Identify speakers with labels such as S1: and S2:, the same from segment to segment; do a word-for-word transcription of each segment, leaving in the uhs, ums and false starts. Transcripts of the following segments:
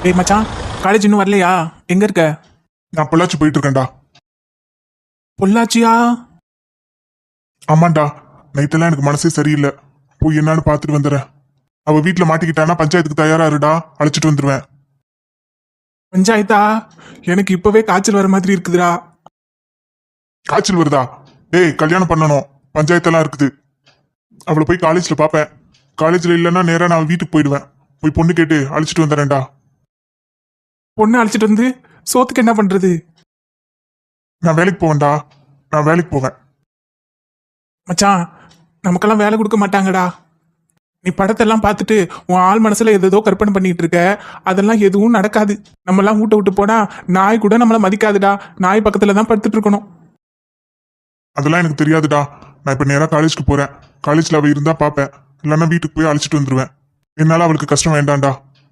S1: டேய் மச்சான், காலேஜ் இன்னும் வரலையா? எங்க இருக்க?
S2: நான் பொள்ளாச்சி போயிட்டு இருக்கேன்டா.
S1: பொள்ளாச்சியா?
S2: ஆமாண்டா, நைட்டெல்லாம் எனக்கு மனசே சரியில்லை. போய் என்னன்னு பார்த்துட்டு வந்துடுறேன். அவ வீட்டுல மாட்டிக்கிட்டானா பஞ்சாயத்துக்கு தயாரா இருடா, அழைச்சிட்டு வந்துருவேன்.
S1: பஞ்சாயத்தா? எனக்கு இப்பவே காய்ச்சல் வர மாதிரி இருக்குதுடா.
S2: காய்ச்சல் வருதா? டேய், கல்யாணம் பண்ணணும், பஞ்சாயத்தெல்லாம் இருக்குது. அவளை போய் காலேஜ்ல பாப்பேன். காலேஜ்ல இல்லைன்னா நேரா நான் வீட்டுக்கு போயிடுவேன். போய் பொண்ணு கேட்டு அழைச்சிட்டு வந்துடுறேன்டா.
S1: பொண்ணு அழைச்சிட்டு வந்து சோத்துக்கு என்ன பண்றது?
S2: நான் வேலைக்கு போவேன்டா, நான் வேலைக்கு போவேன்.
S1: மச்சான், நமக்கெல்லாம் வேலை கொடுக்க மாட்டாங்கடா. நீ படத்தெல்லாம் பார்த்துட்டு உன் ஆள் மனசுல ஏதோ கற்பனை பண்ணிட்டு இருக்க. அதெல்லாம் எதுவும் நடக்காது. நம்ம எல்லாம் வீட்டை விட்டு போனா நாய் கூட நம்மள மதிக்காதுடா. நாய் பக்கத்துல தான் படுத்துட்டு இருக்கணும்.
S2: அதெல்லாம் எனக்கு தெரியாதுடா. நான் இப்ப நேரா காலேஜ்க்கு போறேன். காலேஜ்ல அவ இருந்தா பாப்பேன், இல்லைன்னா வீட்டுக்கு போய் அழைச்சிட்டு வந்துருவேன். என்னால அவளுக்கு கஷ்டம் வேண்டாம்டா.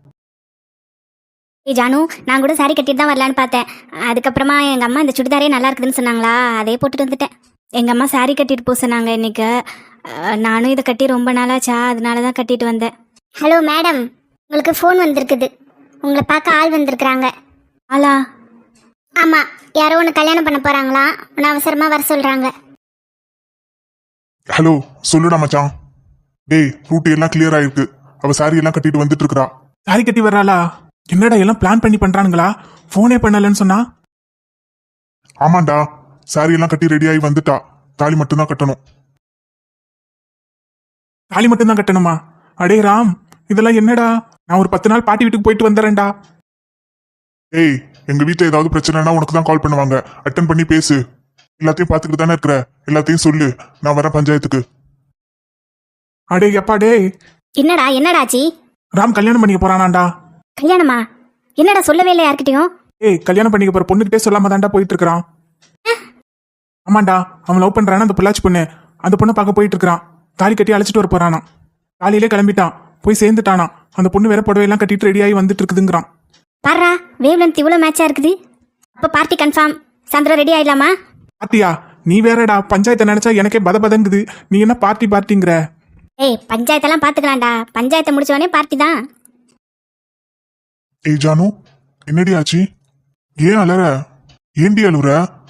S3: ஏய் ஜானு, நான் கூட சாரி கட்டிட்டு தான் வரலான்னு பார்த்தேன். அதுக்கப்புறமா எங்கள் அம்மா இந்த சுடிதாரே நல்லா இருக்குதுன்னு சொன்னாங்களா, அதே போட்டுட்டு வந்துட்டேன். எங்கள் அம்மா சாரி கட்டிட்டு போக சொன்னாங்க இன்னைக்கு. அஹ், நானும் இதை கட்டி ரொம்ப நாளாச்சா, அதனால தான் கட்டிட்டு வந்தேன்.
S4: ஹலோ மேடம், உங்களுக்கு ஃபோன் வந்திருக்குது. உங்களை பார்க்க ஆள் வந்திருக்கிறாங்க.
S3: ஆளா?
S4: ஆமாம், யாரோ ஒன்று கல்யாணம் பண்ண போகிறாங்களா, ஒன்று அவசரமாக வர சொல்கிறாங்க.
S2: ஹலோ, சொல்லுடா மச்சான். டேய், ரூட் எல்லாம் கிளியர் ஆயிருக்கு. அவ சாரி எல்லாம் கட்டிட்டு வந்துட்டு இருக்கா.
S1: சாரி கட்டி வர்றாளா? என்னடா எல்லாம் பிளான் பண்ணி பண்றானுங்களா? போனே பண்ணலன்னு சொன்னா?
S2: ஆமாண்டா, சாரி எல்லாம் கட்டி ரெடி ஆகி வந்துட்டா. தாலி மட்டும்தான் கட்டணும்.
S1: தாலி மட்டும்தான் கட்டணுமா? அடே ராம், இதெல்லாம் என்னடா? நான் ஒரு பத்து நாள் பாட்டி வீட்டுக்கு போயிட்டு வந்துடுறேன்டா.
S2: ஏய், எங்க வீட்டுல ஏதாவது பிரச்சனைனா உனக்கு தான் கால் பண்ணுவாங்க. அட்டன் பண்ணி பேசு. எல்லாத்தையும் பாத்துக்கிட்டு தானே இருக்கிற, எல்லாத்தையும் சொல்லு. நான் வரேன் பஞ்சாயத்துக்கு.
S1: அடே எப்பா டே.
S3: என்னடா என்னடாச்சி?
S1: ராம் கல்யாணம் பண்ணிக்க போறானாண்டா.
S3: கல்யாணமா? என்னடா சொல்லவே இல்லை யார்கிட்டயும்?
S1: ஏய், கல்யாணம் பண்ணிக்க போற பொண்ணுகிட்டே சொல்லாம தாண்டா போயிட்டு இருக்கிறான். ஆமாண்டா, அவன் லவ் பண்றானா அந்த பொள்ளாச்சி பொண்ணு. அந்த பொண்ணை பார்க்க போயிட்டு இருக்கிறான். தாலி கட்டி அழைச்சிட்டு வர போறானா. காலையிலே கிளம்பிட்டான், போய் சேர்ந்துட்டானா. அந்த பொண்ணு வேற புடவையெல்லாம் கட்டிட்டு ரெடியாகி வந்துட்டு இருக்குதுங்கிறான்.
S3: பாரா, வேவ் லென்த் இவ்வளோ மேட்சா இருக்குது. அப்போ பார்ட்டி கன்ஃபார்ம். சாயந்தரம் ரெடி ஆயிடலாமா?
S1: பார்ட்டியா? நீ வேறடா, பஞ்சாயத்தை நினைச்சா எனக்கே பத பதங்குது. நீ என்ன பார்ட்டி பார்ட்டிங்கிற?
S3: ஏய், பஞ்சாயத்தெல்லாம் பார்த்துக்கலாம்டா. பஞ்சாயத்தை முடிச்சவனே பார்ட்டி தான்.
S2: ஏய் ஜானு, என்னடி ஆச்சு? ஏன் அலற? ஏண்டி அழுற?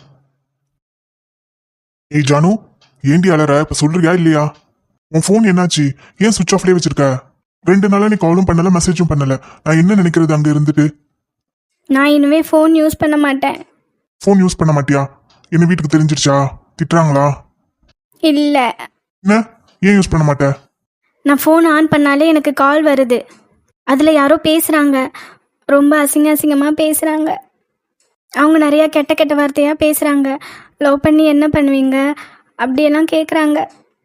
S2: ஏய் ஜானு, ஏண்டி அலற? இப்ப சொல்றியா இல்லையா? உன் ஃபோன் என்னாச்சு? ஏன் சுவிட்ச் ஆஃப்லயே வச்சிருக்க? ரெண்டு நாளா நீ காலும் பண்ணல, மெசேஜும் பண்ணல. நான் என்ன நினைக்கிறது அங்க இருந்துட்டு?
S3: நான் இனிமே ஃபோன் யூஸ் பண்ண மாட்டேன்.
S2: ஃபோன் யூஸ் பண்ண மாட்டியா? என்ன வீட்டுக்கு தெரிஞ்சிருச்சா? திட்டுறாங்களா?
S3: இல்லை,
S2: என்ன, ஏன் யூஸ் பண்ண மாட்டே?
S3: நான் ஃபோன் ஆன் பண்ணாலே எனக்கு கால் வருது. அதில் யாரோ பேசுகிறாங்க, ரொம்ப அசிங்க அசிங்கமாக பேசுகிறாங்க. அவங்க நிறையா கெட்ட கெட்ட வார்த்தையாக பேசுகிறாங்க. லவ் பண்ணி என்ன பண்ணுவீங்க அப்படியெல்லாம் கேட்குறாங்க.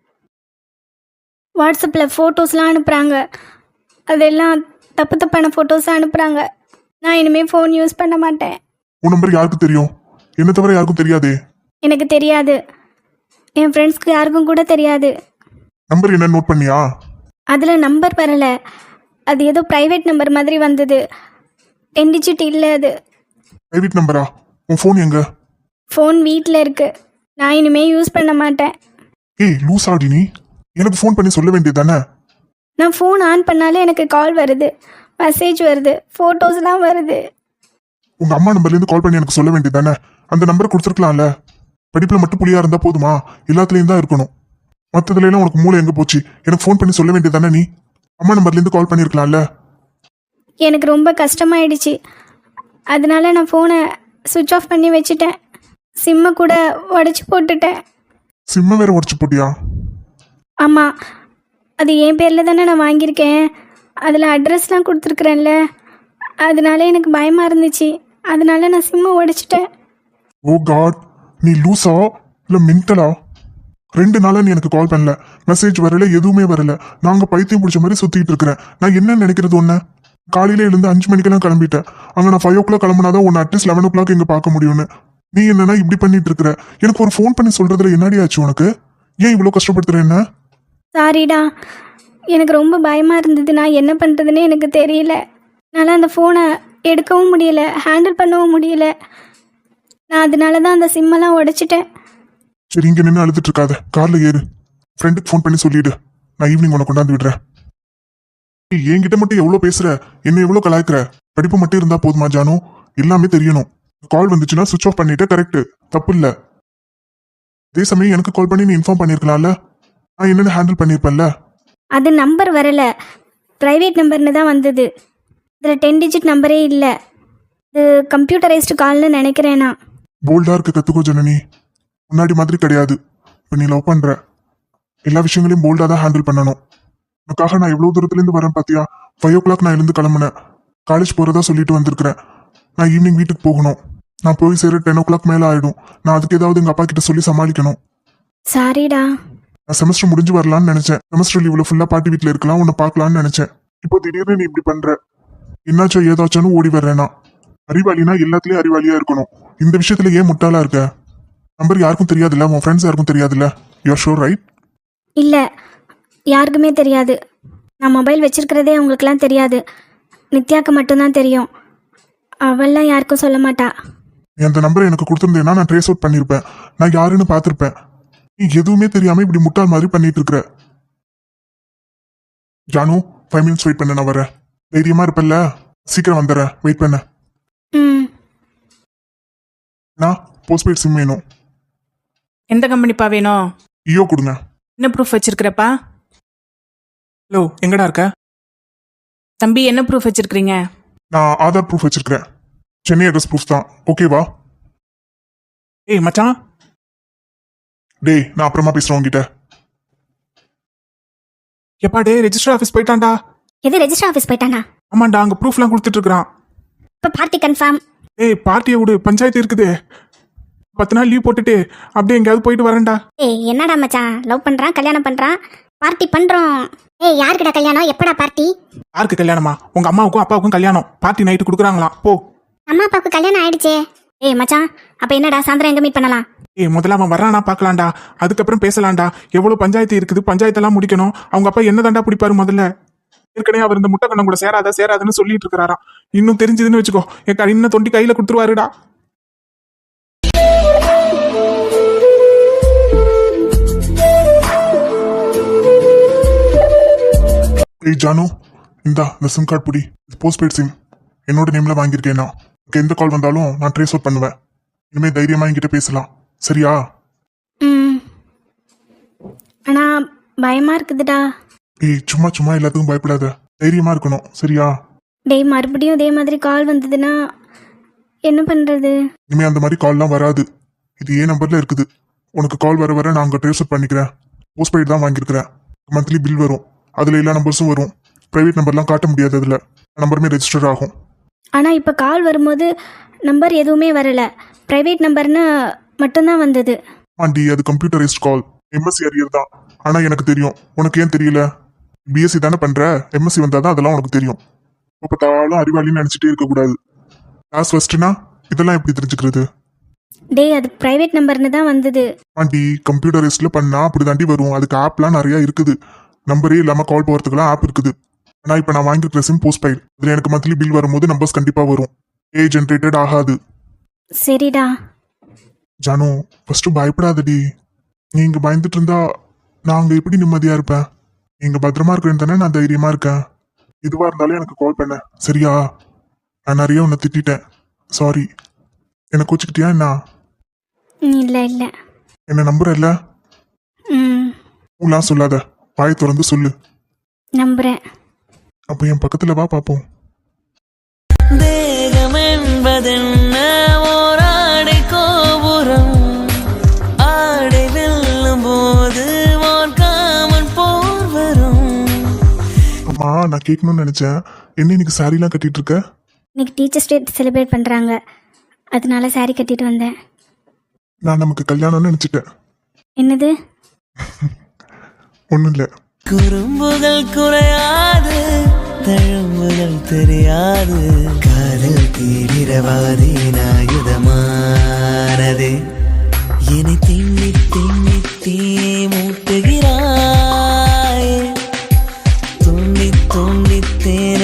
S3: வாட்ஸ்அப்பில் ஃபோட்டோஸ்லாம் அனுப்புகிறாங்க. அதெல்லாம் தப்பு தப்பான ஃபோட்டோஸாக அனுப்புகிறாங்க. நான் இனிமேல் ஃபோன் யூஸ் பண்ண மாட்டேன்.
S2: உன் நம்பர் யாருக்கு தெரியும்? என்ன தவிர யாருக்கும் தெரியாதே.
S3: எனக்கு தெரியாது, என் ஃப்ரெண்ட்ஸ்க்கு யாருக்கும் கூட தெரியாது.
S2: நம்பர் என்ன நோட் பண்ணியா?
S3: அதில் நம்பர் வரலை. அது ஏதோ ப்ரைவேட் நம்பர் மாதிரி வந்தது. டென் டிஜிட் இல்லை அது.
S2: பிரைவேட் நம்பரா? உன் ஃபோன் எங்க?
S3: ஃபோன் வீட்டில் இருக்குது. நான் இனிமேல் யூஸ் பண்ண மாட்டேன்.
S2: ஏய் லூஸ் ஆடி, நீ எனக்கு ஃபோன் பண்ணி சொல்ல வேண்டியதானே?
S3: நான் ஃபோன் ஆன் பண்ணாலே எனக்கு கால் வருது, மெசேஜ் வருது, ஃபோட்டோஸ்லாம் வருது.
S2: உங்க அம்மா நம்பர்லேருந்து கால் பண்ணி எனக்கு சொல்ல வேண்டியதானே? அந்த நம்பரை கொடுத்துருக்கலாம்ல. படிப்புல மட்டும் புள்ளியா இருந்தா போதுமா? எல்லாத்துலேயும் தான் இருக்கணும். மற்றதுல எல்லாம் உனக்கு மூளை எங்க போச்சு? எனக்கு ஃபோன் பண்ணி சொல்ல வேண்டியதானே? நீ அம்மா நம்பர்லேருந்து கால் பண்ணியிருக்கலாம்ல.
S3: எனக்கு ரொம்ப கஷ்டமாயிடுச்சு. அதனால நான் ஃபோனை சுவிட்ச் ஆஃப் பண்ணி வச்சுட்டேன். சிம்மை கூட உடச்சி போட்டுட்டேன்.
S2: சிம்மை வேற உடச்சு போட்டியா?
S3: ஆமாம், அது என் பேரில் தானே நான் வாங்கியிருக்கேன். அதில் அட்ரஸ்லாம் கொடுத்துருக்குறேன்ல, அதனால எனக்கு பயமாக இருந்துச்சு. அதனால நான் சிம்மை உடைச்சிட்டேன்.
S2: ஓ காட், நீ லூஸா இல்லை மென்டலா? ரெண்டு நாளா நீ எனக்கு கால் பண்ணல, மெசேஜ் வரல, எதுவுமே வரல. நாங்க பைத்தியம் பிடிச்ச மாதிரி சுத்திட்டு இருக்கிறேன். நான் என்ன நினைக்கிறது ஒன்று? காலையில எழுந்து அஞ்சு மணிக்கெல்லாம் கிளம்பிட்டேன். அங்கே நான் ஃபைவ் ஓ கிளாக் கிளம்புனாதான் ஒன்று அட்லீஸ்ட் லெவன் ஓ கிளாக் இங்கே பார்க்க முடியும்னு. நீ என்னன்னா இப்படி பண்ணிட்டு இருக்கிற? எனக்கு ஒரு ஃபோன் பண்ணி சொல்றதுல என்னடி ஆச்சு உனக்கு? ஏன் இவ்வளோ கஷ்டப்படுத்துற என்ன?
S3: சாரிடா, எனக்கு ரொம்ப பயமாக இருந்தது. நான் என்ன பண்ணுறதுன்னு எனக்கு தெரியல. என்னால் அந்த ஃபோனை எடுக்கவும் முடியல, ஹேண்டில் பண்ணவும் முடியல. நான் அதனால தான் அந்த சிம்மெல்லாம் உடைச்சிட்டேன்.
S2: சரி, இங்க நின்று அழுதுட்டு இருக்காத, கார்ல ஏறு. ஃப்ரெண்டுக்கு ஃபோன் பண்ணி சொல்லிடு, நான் ஈவினிங் உன்னை கொண்டாந்து விடுறேன். என்கிட்ட மட்டும் எவ்வளோ பேசுற, என்ன எவ்வளோ கலாய்க்கிற? படிப்பு மட்டும் இருந்தா போதுமா ஜானு? எல்லாமே தெரியணும். கால் வந்துச்சுன்னா சுவிச் ஆஃப் பண்ணிட்டு கரெக்ட், தப்பு இல்ல. அதே சமயம் எனக்கு கால் பண்ணி நீ இன்ஃபார்ம் பண்ணிருக்கலாம்ல, நான் என்னன்னு ஹேண்டில் பண்ணிருப்பேன்ல.
S3: அது நம்பர் வரல, ப்ரைவேட் நம்பர்னு தான் வந்தது. இதில் டென் டிஜிட் நம்பரே இல்லை. இது கம்ப்யூட்டரைஸ்டு கால்னு நினைக்கிறேன் நான்.
S2: போல்டா இருக்க கத்துக்கோ ஜனனி, முன்னாடி மாதிரி கிடையாது. இப்போ நீ லவ் பண்ற, எல்லா விஷயங்களையும் போல்டா தான் ஹேண்டில் பண்ணணும். உனக்காக நான் எவ்வளவு தூரத்துல இருந்து வரேன் பாத்தியா? ஃபைவ் ஓ கிளாக் நான் எழுந்து கிளம்புனேன். காலேஜ் போறதா சொல்லிட்டு வந்திருக்கிறேன். நான் ஈவினிங் வீட்டுக்கு போகணும். நான் போய் சேர டென் ஓ கிளாக் மேல ஆயிடும். நான் அதுக்கு ஏதாவது எங்க அப்பா கிட்ட சொல்லி சமாளிக்கணும்.
S3: சாரிடா.
S2: நான் செமஸ்டர் முடிஞ்சு வரலாம்னு நினைச்சேன். செமஸ்டர் லீவ்ல ஃபுல்லா பாட்டி வீட்டுல இருக்கலாம், உன்னை பார்க்கலாம்னு நினைச்சேன். இப்போ திடீர்னு நீ இப்படி பண்ற, என்னாச்சோ ஏதாச்சும்னு ஓடி வர்றேனா? அறிவாளினா எல்லாத்துலயும் அறிவாளியா இருக்கணும். இந்த விஷயத்துல ஏன் முட்டாளா இருக்க? நம்பர் யாருக்கும் தெரியாதுல்ல, உன் ஃப்ரெண்ட்ஸ் யாருக்கும் தெரியாதுல்ல. You are sure right?
S3: இல்லை, யாருக்குமே தெரியாது. நான் மொபைல் வச்சிருக்கிறதே அவங்களுக்குலாம் தெரியாது. நித்யாக்கு மட்டும்தான் தெரியும். அவள்லாம் யாருக்கும் சொல்ல மாட்டா.
S2: நீ அந்த நம்பரை எனக்கு கொடுத்துருந்தேன்னா நான் ட்ரேஸ் அவுட் பண்ணியிருப்பேன். நான் யாருன்னு பார்த்துருப்பேன். நீ எதுவுமே தெரியாம இப்படி முட்டாள் மாதிரி பண்ணிட்டு இருக்கிற. ஜானு, ஃபைவ் மினிட்ஸ் வெயிட் பண்ண, நான் வரேன். தைரியமா இருப்பல்ல? சீக்கிரம் வந்துடுறேன், வெயிட் பண்ண.
S3: ம்
S2: நான் போஸ்ட்பெய்ட் சிம் வேணும்.
S5: எந்த கம்பெனிப்பா வேணும்?
S2: ஈயோ கொடுங்க.
S5: என்ன ப்ரூஃப் வச்சிருக்கிறப்பா?
S1: ஹலோ, எங்கடா இருக்க?
S5: தம்பி என்ன ப்ரூஃப் வச்சிருக்கிறீங்க?
S2: நான் ஆதார் ப்ரூஃப் வச்சிருக்கிறேன். சென்னை அட்ரஸ் ப்ரூஃப் தான், ஓகேவா?
S1: ஏய் மச்சான்.
S2: டேய், நான் அப்புறமா பேசுறேன் உங்ககிட்ட.
S1: எப்பா டே, ரெஜிஸ்டர் ஆஃபீஸ் போயிட்டான்டா.
S3: எது ரெஜிஸ்டர் ஆஃபீஸ் போயிட்டானா?
S1: ஆமாண்டா, அங்கே ப்ரூஃப்லாம் கொடுத்துட்டு இருக்கிறான்.
S3: இப்போ பார்ட்டி கன்ஃபார்ம்.
S1: ஏய் பார்ட்டியை விடு, பஞ்சாயத்து இருக்குது. பத்து நாள் லீவ் போட்டுட்டு அப்படியே எங்கேயாவது போயிட்டு வரேன்டா.
S4: ஏய் என்னடா மச்சான், லவ் பண்றான், கல்யாணம் பண்றான், பார்ட்டி பண்றோம். ஏய் யாருக்கிட்ட கல்யாணம், எப்படா பார்ட்டி?
S1: யாருக்கு கல்யாணமா? உங்க அம்மாவுக்கும் அப்பாவுக்கும் கல்யாணம். பார்ட்டி நைட்டு கொடுக்குறாங்களாம், போ.
S4: அம்மா அப்பாவுக்கு கல்யாணம் ஆயிடுச்சே.
S3: ஏய் மச்சான், அப்போ என்னடா சாயந்தரம் எங்கே மீட் பண்ணலாம்?
S1: ஏய் முதல்ல அவன் வர்றானா பார்க்கலாம்டா, அதுக்கப்புறம் பேசலாம்டா. எவ்வளோ பஞ்சாயத்து இருக்குது, பஞ்சாயத்தெல்லாம் முடிக்கணும். அவங்க அப்பா என்ன தாண்டா பிடிப்பாரு முதல்ல? ஏற்கனவே அவர் இந்த முட்டை கண்ணம் கூட சேராத சேராதுன்னு சொல்லிட்டு இருக்கிறாராம். இன்னும் தெரிஞ்சதுன்னு வச்சுக்கோ, என் க- இன்னும் தொண்டி கையில கொடுத்துருவாருடா.
S2: ஏய் ஜானு, இந்தா இந்த சிம் கார்டு புடி. போஸ்ட்பெய்ட் சிம் என்னோட நேம்ல வாங்கியிருக்கேன். நான் உனக்கு எந்த கால் வந்தாலும் நான் ட்ரேஸ் அவுட் பண்ணுவேன். இனிமே தைரியமா என்கிட்ட பேசலாம், சரியா?
S3: ம் ஆனால் பயமாக இருக்குதுடா.
S2: ஏய் சும்மா சும்மா எல்லாத்துக்கும் பயப்படாத, தைரியமா இருக்கணும், சரியா?
S3: டேய் மறுபடியும் இதே மாதிரி கால் வந்ததுன்னா என்ன பண்ணுறது?
S2: இனிமே அந்த மாதிரி கால்லாம் வராது. இது ஏன் நம்பர்ல இருக்குது. உனக்கு கால் வர வர நான் அங்கே ட்ரேஸ் அவுட் பண்ணிக்கிறேன். போஸ்ட்பெய்ட் தான் வாங்கியிருக்கிறேன். மந்த்லி பில் வரும், அதுல எல்லா நம்பர்ஸும் வரும். பிரைவேட் நம்பர்லாம் காட்ட முடியாது, அதுல நம்பருமே ரெஜிஸ்டர் ஆகும்.
S3: ஆனால் இப்போ கால் வரும்போது நம்பர் எதுவுமே வரல, ப்ரைவேட் நம்பர்னு மட்டும்தான் வந்தது.
S2: ஆண்டி, அது கம்ப்யூட்டரைஸ்ட் கால், எம்எஸ்சி அரியர் தான். ஆனா எனக்கு தெரியும், உனக்கு ஏன் தெரியல? பிஎஸ்சி தானே பண்ற, எம்எஸ்சி வந்தாதான் அதெல்லாம் உனக்கு தெரியும். இப்போ பார்த்தாலும் அறிவாளின்னு நினைச்சிட்டே இருக்கக்கூடாது. கிளாஸ் ஃபர்ஸ்ட்னா இதெல்லாம் எப்படி தெரிஞ்சுக்கிறது?
S3: டேய் அது ப்ரைவேட் நம்பர்னு தான் வந்தது.
S2: ஆண்டி, கம்ப்யூட்டரைஸ்ட்ல பண்ணா அப்படி தாண்டி வரும். அதுக்கு ஆப்லாம் நிறைய இருக்குது. நம்பரே இல்லாம கால் போகிறதுக்குலாம் ஆப் இருக்குது. ஆனா இப்போ நான் வாங்கியிருக்கிற சிம் போஸ்ட்பெய்ட், இதுல எனக்கு மந்த்லி பில் வரும்போது நம்பர்ஸ் கண்டிப்பா வரும். ஏ ஜென்ரேட்டட் ஆகாது.
S3: சரிடா.
S2: ஜானு, ஃபர்ஸ்ட் பயப்படாதடி. நீங்க பயந்துட்டு இருந்தா நாங்க எப்படி நிம்மதியா இருப்பேன்? நீங்க பத்திரமா இருக்கிறேன்னு தானே நான் தைரியமா இருக்கேன். எதுவா இருந்தாலும் எனக்கு கால் பண்ண, சரியா? நான் நிறைய உன்னை திட்டிட்டேன், சாரி. என்னை கோச்சிக்கிட்டியா என்ன?
S3: இல்லை இல்லை.
S2: என்ன நம்புற இல்ல?
S3: ம்
S2: ஊலாம் சொல்லாத, வாயை திறந்து சொல்லு.
S3: நம்புகிறேன்.
S2: அப்போ என் பக்கத்துல வா பாப்போம்.
S6: தேகம் என்பதென்ன ஓராடை கோபுரம், ஆடை வெல்லும் போது வான்காமன் போர் வரும்.
S2: அம்மா, நான் கேட்கணும்னு நினைச்சேன், என்ன இன்னைக்கு சாரிலாம் கட்டிட்டு இருக்க?
S3: இன்னைக்கு டீச்சர்ஸ் டே செலிப்ரேட் பண்ணுறாங்க, அதனால saree கட்டிட்டு வந்தேன்.
S2: நான் நமக்கு கல்யாணம்னு நினைச்சிட்டேன்.
S3: என்னது?
S2: ஒன்றும் இல்லை.
S6: குறும்புகள் குறையாது, தழும்புகள் தெரியாது, காதல் தீவிரவாதி ஆயுதமானது. என்னை திண்ணி திண்ணி தீ மூட்டுகிறாய், துண்ணி துண்ணி தேனை.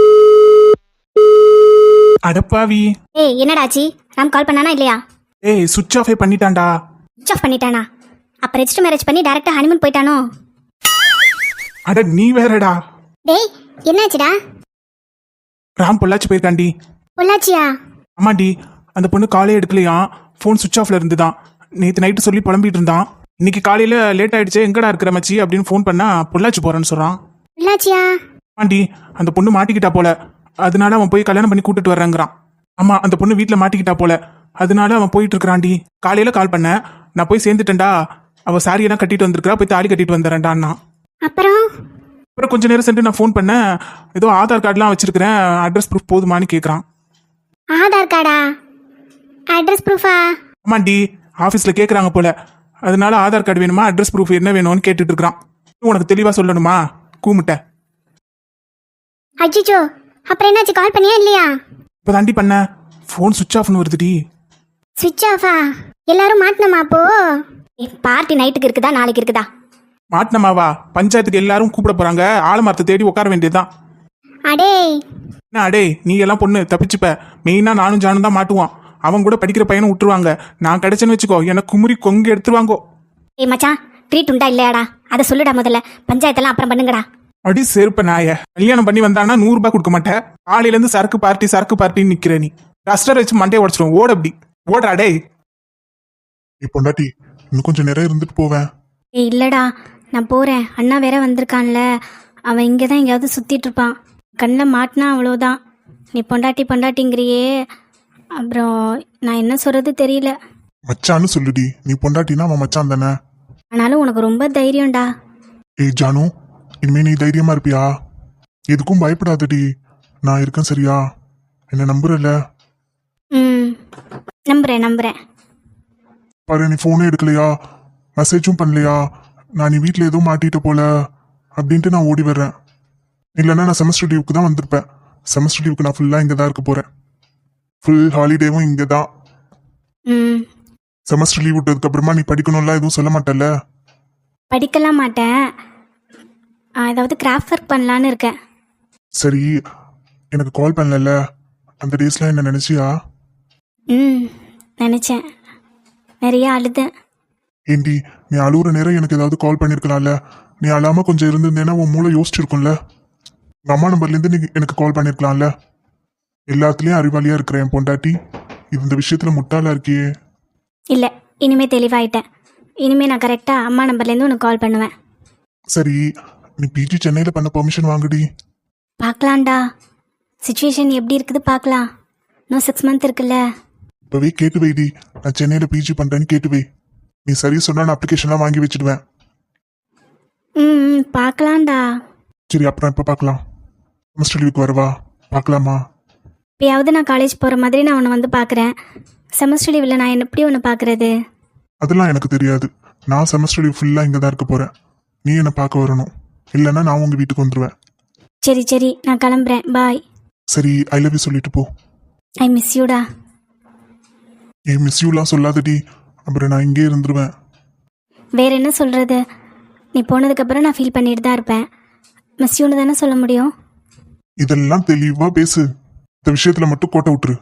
S1: அடப்பாவி.
S4: ஏய் என்னடாச்சி, ராம் கால் பண்ணானா இல்லையா?
S1: ஏய் சுவிட்ச் ஆஃபே பண்ணிட்டான்டா.
S4: சுவிச் ஆஃப் பண்ணிட்டானா? அப்ப ரெஜிஸ்டர் மேரேஜ் பண்ணி டைரக்டா ஹனிமூன் போயிட்டானோ?
S1: அட நீ வேறடா.
S4: டேய் என்னாச்சுடா?
S1: ராம் பொள்ளாச்சி போயிருக்காண்டி.
S4: பொள்ளாச்சியா?
S1: ஆமாண்டி, அந்த பொண்ணு காலே எடுக்கலையா, ஃபோன் சுவிச் ஆஃப்ல இருந்துதான். நேற்று நைட்டு சொல்லி புலம்பிட்டு இருந்தான். இன்னைக்கு காலையில லேட் ஆயிடுச்சு, எங்கடா இருக்கிற மச்சி அப்படின்னு ஃபோன் பண்ணா பொள்ளாச்சி போறேன்னு சொல்றான்.
S4: பொள்ளாச்சியா?
S1: ஆண்டி, அந்த பொண்ணு மாட்டிக்கிட்டா போல, அதனால அவன் போய் கல்யாணம் பண்ணி கூட்டிட்டு வர்றேங்கிறான். ஆமா, அந்த பொண்ணு வீட்டுல மாட்டிக்கிட்டா போல, அதனால அவன் போயிட்டு இருக்கிறான்டி. காலையில கால் பண்ண, நான் போய் சேர்ந்துட்டேன்டா, அவ சாரியெல்லாம் கட்டிட்டு வந்திருக்கா, போய் தாலி கட்டிட்டு வந்துடுறேன்டான்னா.
S4: அப்புறம்
S1: அப்புறம் கொஞ்ச நேரம் சென்று நான் ஃபோன் பண்ணேன், ஏதோ ஆதார் கார்டுலாம் வச்சிருக்கிறேன், அட்ரஸ் ப்ரூஃப் போதுமான்னு கேட்குறான்.
S4: ஆதார் கார்டா? அட்ரஸ் ப்ரூஃபா?
S1: ஆமாண்டி, ஆஃபீஸில் கேட்குறாங்க போல, அதனால ஆதார் கார்டு வேணுமா, அட்ரஸ் ப்ரூஃப் என்ன வேணும்னு கேட்டுட்டு இருக்கிறான். உனக்கு தெளிவாக சொல்லணுமா? கூமுட்ட.
S4: அஜிஜோ, அப்புறம் என்னாச்சு? கால் பண்ணியா இல்லையா?
S1: இப்போ தாண்டி பண்ண, ஃபோன் சுவிச் ஆஃப்னு வருதுடி.
S4: சுவிட்ச் ஆஃபா? எல்லாரும் மாட்டினமா அப்போ? பார்ட்டி நைட்டுக்கு இருக்குதா நாளைக்கு இருக்குதா?
S1: மாட்டினமாவா? பஞ்சாயத்துக்கு எல்லாரும் கூப்பிட போறாங்க, ஆலமரத்தை தேடி உட்கார வேண்டியதுதான்.
S4: அடே
S1: என்ன அடே, நீ எல்லாம் பொண்ணு தப்பிச்சுப்ப. மெயினா நானும் ஜானும் தான் மாட்டுவான். அவன் கூட படிக்கிற பையனும் விட்டுருவாங்க. நான் கிடைச்சேன்னு வச்சுக்கோ, எனக்கு குமுறி கொங்கு எடுத்துருவாங்கோ.
S4: ஏய் மச்சான், ட்ரீட் உண்டா இல்லையாடா? அதை சொல்லுடா முதல்ல. பஞ்சாயத்தெல்லாம் அப்புறம் பண்ணுங்கடா.
S1: அடி செருப்ப நாய, கல்யாணம் பண்ணி வந்தானா நூறு ரூபாய் கொடுக்க மாட்டேன். காலையில இருந்து சரக்கு பார்ட்டி சரக்கு பார்ட்டின்னு நிக்கிற நீ. டஸ்டர் வச்சு மண்டையை உடச்சிடும். ஓட அப்படி ஓடுறா டே.
S2: இப்போ பொண்டாட்டி இன்னும் கொஞ்சம் நேரம் இருந்துட்டு போவேன்.
S3: ஏய் இல்லடா, நான் போகிறேன். அண்ணா வேற வந்திருக்கான்ல, அவன் இங்கே தான் எங்கேயாவது சுற்றிட்டு இருப்பான். கண்ணில் மாட்டினா அவ்வளோதான். நீ பொண்டாட்டி பொண்டாட்டிங்கிறியே, அப்புறம் நான் என்ன சொல்கிறது தெரியல.
S2: மச்சான்னு சொல்லுடி, நீ பொண்டாட்டினா அவன் மச்சான் தானே.
S3: ஆனாலும் உனக்கு ரொம்ப தைரியம்டா.
S2: ஏய் ஜானு, இனிமே நீ தைரியமா இருப்பியா? எதுக்கும் பயப்படாதடி, நான் இருக்கேன் சரியா? என்ன நம்புறல?
S3: ம், நம்புகிறேன் நம்புகிறேன்.
S2: பாரு, நீ ஃபோனே எடுக்கலையா, மெசேஜும் பண்ணலையா, நான் நீ வீட்டில் ஏதோ மாட்டிட்ட போல அப்படின்ட்டு நான் ஓடி வர்றேன். இல்லைன்னா நான் செமஸ்டர் லீவுக்கு தான் வந்திருப்பேன். செமஸ்டர் லீவுக்கு நான் ஃபுல்லாக இங்கே தான் இருக்க போகிறேன். ஃபுல் ஹாலிடேவும் இங்கே தான்.
S3: ம்,
S2: செமஸ்டர் லீவ் விட்டதுக்கு அப்புறமா நீ படிக்கணும்லாம் எதுவும் சொல்ல மாட்டல்ல?
S3: படிக்கலாம் மாட்டேன். ஆ, ஏதாவது கிராஃப்ட் ஒர்க் பண்ணலான்னு இருக்கேன்.
S2: சரி, எனக்கு கால் பண்ணல, அந்த டேஸ்லாம் என்ன நினச்சியா?
S3: ம், நினச்சேன். நிறைய அழுதேன்.
S2: ஏண்டி, நீ அழுகுற நேரம் எனக்கு ஏதாவது கால் பண்ணியிருக்கலாம்ல? நீ அழாம கொஞ்சம் இருந்திருந்தேன்னா உன் மூளை யோசிச்சிருக்கும்ல. உங்கள் அம்மா நம்பர்லேருந்து நீ எனக்கு கால் பண்ணியிருக்கலாம்ல. எல்லாத்துலேயும் அறிவாளியாக இருக்கிற என் பொண்டாட்டி இந்த விஷயத்தில் முட்டாளா இருக்கியே.
S3: இல்லை, இனிமே தெளிவாயிட்டேன். இனிமே நான் கரெக்டாக அம்மா நம்பர்லேருந்து உனக்கு கால் பண்ணுவேன்.
S2: சரி, நீ பிஜி சென்னையில் பண்ண பெர்மிஷன் வாங்குடி.
S3: பார்க்கலாம்டா, சுச்சுவேஷன் எப்படி இருக்குது பார்க்கலாம். இன்னும் சிக்ஸ் மந்த் இருக்குல்ல.
S2: இப்போவே கேட்டு வைடி, நான் சென்னையில் பிஜி பண்ணுறேன்னு கேட்டு வை. நீ சரி சொன்னா நான் அப்ளிகேஷன்லாம் வாங்கி வச்சுடுவேன்.
S3: ம் ம், பார்க்கலாம்டா.
S2: சரி, அப்புறம் எப்போ பார்க்கலாம்? செமஸ்டர் லீவுக்கு வரவா? பார்க்கலாமா?
S3: இப்போயாவது நான் காலேஜ் போகிற மாதிரி நான் உன்னை வந்து பார்க்குறேன். செமஸ்டர் லீவில் நான் என்ன எப்படி உன்னை பார்க்குறது?
S2: அதெல்லாம் எனக்கு தெரியாது. நான் செமஸ்டர் லீவ் ஃபுல்லாக இங்கே தான் இருக்க போகிறேன். நீ என்னை பார்க்க வரணும், இல்லைன்னா நான் உங்கள் வீட்டுக்கு வந்துடுவேன்.
S3: சரி சரி, நான் கிளம்புறேன். பாய்.
S2: சரி, ஐ லவ் யூ சொல்லிட்டு போ.
S3: I miss யூடா.
S2: ஏ மிஸ் யூலாம் சொல்லாதடி, அப்புறம் நான் இங்கே இருந்துருவேன்.
S3: வேற என்ன சொல்கிறது? நீ போனதுக்கப்புறம் நான் ஃபீல் பண்ணிட்டு தான் இருப்பேன். மிஸ் யூன்னு தானே சொல்ல முடியும்.
S2: இதெல்லாம் தெளிவா பேசு, இந்த விஷயத்துல மட்டும் கோட்டை விட்டுரு.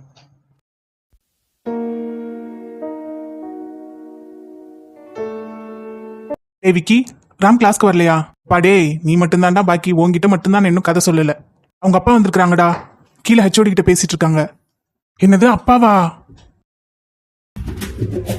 S1: ஏய் விக்கி, ராம் கிளாஸ்க்கு வரலையா? பாடே, நீ மட்டும்தான்டா பாக்கி, உன்கிட்ட மட்டும்தான் நான் இன்னும் கதை சொல்லல. அவங்க அப்பா வந்திருக்காங்கடா, கீழே ஹெச்ஓடி கிட்ட பேசிட்டு இருக்காங்க. என்னது அப்பாவா?